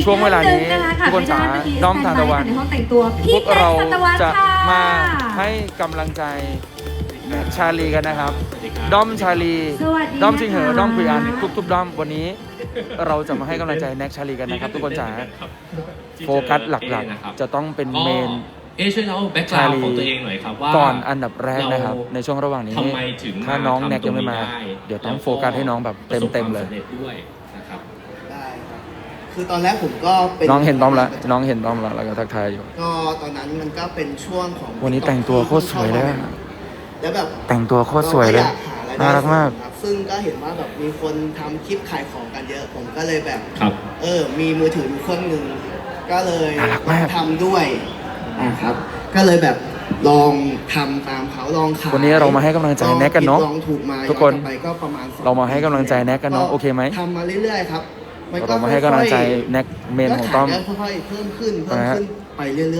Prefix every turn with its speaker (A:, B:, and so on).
A: ช่วงเวลานี้ทุกคนจ๋าด้อมทานตะวัน
B: ในห้องแต่งตัว
A: พ
B: พี่
A: วก
B: เป๊ก
A: เรา
B: ทานตะวัน
A: จะ
B: ค่ะ
A: มาให้กำลังใจชาลีกันนะครับ ด้อมชาลี
B: สวัสดี
A: ด้อมชิงเหอ
B: นะคะ
A: ด้อมคุยอันทุกด้อมวันนี้ เราจะมาให้กำลังใจแน็กชาลีกันนะครับ ทุกคนจ๋าโฟกัสหลักๆ จะต้องเป็นเมน
C: ช่วยเล่าแบ็กกราวด์ของตัวเองหน่อยครับว่า
A: ก่อนอันดับแรกนะครับ ในช่วงระหว่างนี้
C: ทำไมถึง
A: ถ้าน้องแน็กยังไม่มา
C: ทำตรงนี้ได้
A: เดี๋ยวต้องโฟกัสให้น้องแบบเต็มๆเลย
C: ประสบความสำร็จด้วยนะครับ
D: ได้ครับคือตอนแรกผมก็เป็น
A: น้องเห็นต้อมแล้วน้องเห็นต้อมแล้วก็ทักทายอยู่
D: ก็ตอนนั้นมันก็เป็นช่วงของ
A: วันนี้แต่งตัวโคตรสวยเลยอะ
D: แล้วแบบ
A: แต่งตัวโคตรสวยเลย
D: รอยห
A: น่ารักมาก
D: ครับซึ่งก็เห็นว่าแบบมีคนทำคลิปขายของกันเยอะ ผมก็เลยแบบ
C: ครับ
D: มีมือถือเครื่องหนึ่งก็เลย
A: น่ารักมาก
D: ทำด้วยครับ ก็เลยแบบลองทำตามเขาลองขาย
A: วันนี้เรามาให้กำลังใจแน็กกันเนาะ
D: ลองถูกมา
A: ทุกคน
D: ย้อไปก็ประมาณ2
A: เรามาให้กำลังใจแน็กกันเนาะโอเคไหม
D: ทำมาเรื่อยๆครับนก็
A: เรามาให้กำลังใจ
D: ค่อยๆ
A: แน็กเมนของต้อม
D: ก็ขายได้ค่อยๆเพิ่มขึ้นไปเรื่อยๆ